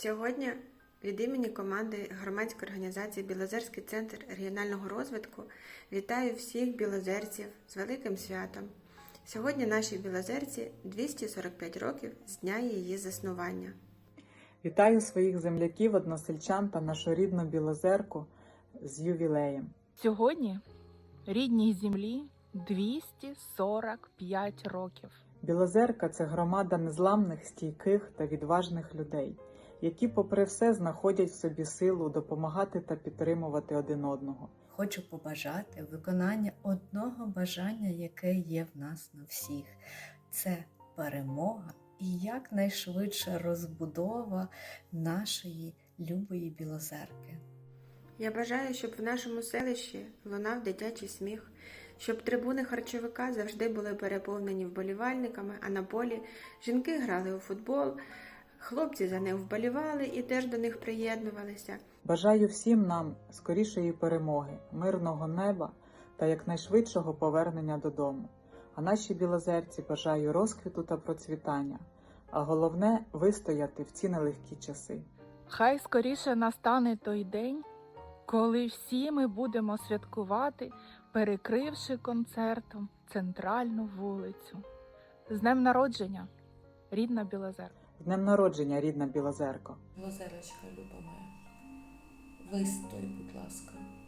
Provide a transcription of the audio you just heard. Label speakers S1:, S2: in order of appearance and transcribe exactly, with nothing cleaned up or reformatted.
S1: Сьогодні від імені команди громадської організації «Білозерський центр регіонального розвитку» вітаю всіх білозерців з великим святом. Сьогодні нашій Білозерці двісті сорок п'ять років з дня її заснування.
S2: Вітаю своїх земляків, односельчан та нашу рідну Білозерку з ювілеєм.
S3: Сьогодні рідній землі двісті сорок п'ять років.
S2: Білозерка – це громада незламних, стійких та відважних людей, які попри все знаходять в собі силу допомагати та підтримувати один одного.
S4: Хочу побажати виконання одного бажання, яке є в нас на всіх. Це перемога і якнайшвидша розбудова нашої любої Білозерки.
S1: Я бажаю, щоб в нашому селищі лунав дитячий сміх, щоб трибуни харчовика завжди були переповнені вболівальниками, а на полі жінки грали у футбол, хлопці за них вболівали і теж до них приєднувалися.
S2: Бажаю всім нам скорішої перемоги, мирного неба та якнайшвидшого повернення додому. А нашій Білозерці бажаю розквіту та процвітання, а головне – вистояти в ці нелегкі часи.
S3: Хай скоріше настане той день, коли всі ми будемо святкувати, перекривши концертом центральну вулицю. З днем народження, рідна Білозерка!
S2: З днем народження, рідна Білозерко!
S5: Білозерочка, люба моя, вистой, будь ласка.